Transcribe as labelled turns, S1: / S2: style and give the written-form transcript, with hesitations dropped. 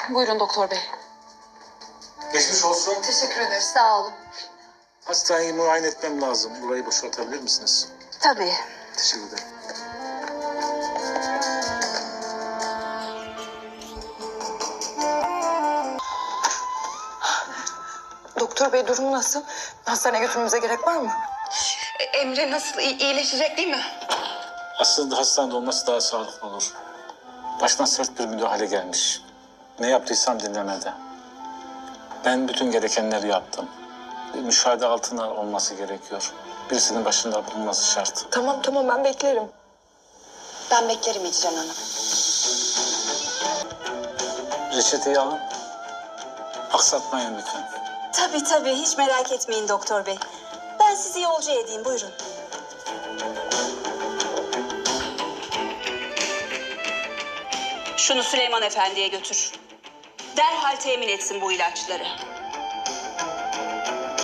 S1: Buyurun doktor bey.
S2: Geçmiş olsun.
S1: Teşekkür ederiz. Sağ olun.
S2: Hastaneyi muayene etmem lazım. Burayı boşaltabilir misiniz?
S1: Tabii.
S2: Teşekkür ederim.
S3: Doktor bey durumu nasıl? Hastaneye götürmemize gerek var mı?
S1: Emre nasıl? İyileşecek değil mi?
S2: Aslında hastanede olması daha sağlıklı olur. Başına sert bir müdahale gelmiş. Ne yaptıysam dinlemedi. Ben bütün gerekenleri yaptım. Bir müşahede altına olması gerekiyor. Birisinin başında bulunması şart.
S3: Tamam ben beklerim.
S4: Ben beklerim İcran Hanım.
S2: Reçeteyi alın. Aksatmayın lütfen.
S4: Tabii hiç merak etmeyin doktor bey. Ben sizi yolcu edeyim buyurun.
S5: Şunu Süleyman Efendi'ye götür. Derhal temin etsin bu ilaçları.